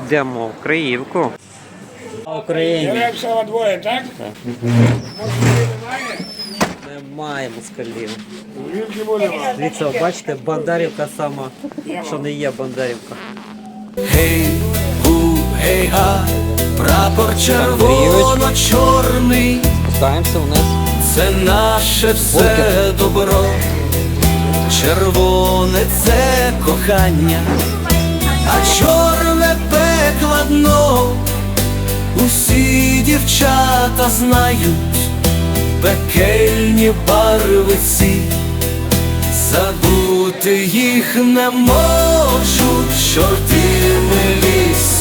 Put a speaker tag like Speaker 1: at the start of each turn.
Speaker 1: Йдемо в Криївку.
Speaker 2: Україні.
Speaker 3: Деревцева двоє, так?
Speaker 1: Немає москалів.
Speaker 3: Звідки будемо?
Speaker 1: Дивіться, бачите, Бондарівка сама, що не є Бондарівка.
Speaker 4: Гей, гу, гей, га, прапор червоно-чорний.
Speaker 1: Спускаємося вниз.
Speaker 4: Це наше все добро. Червоне це кохання, а чорне пекло дно. Усі дівчата знають пекельні барви ці. Забути їх не можуть, чорти милі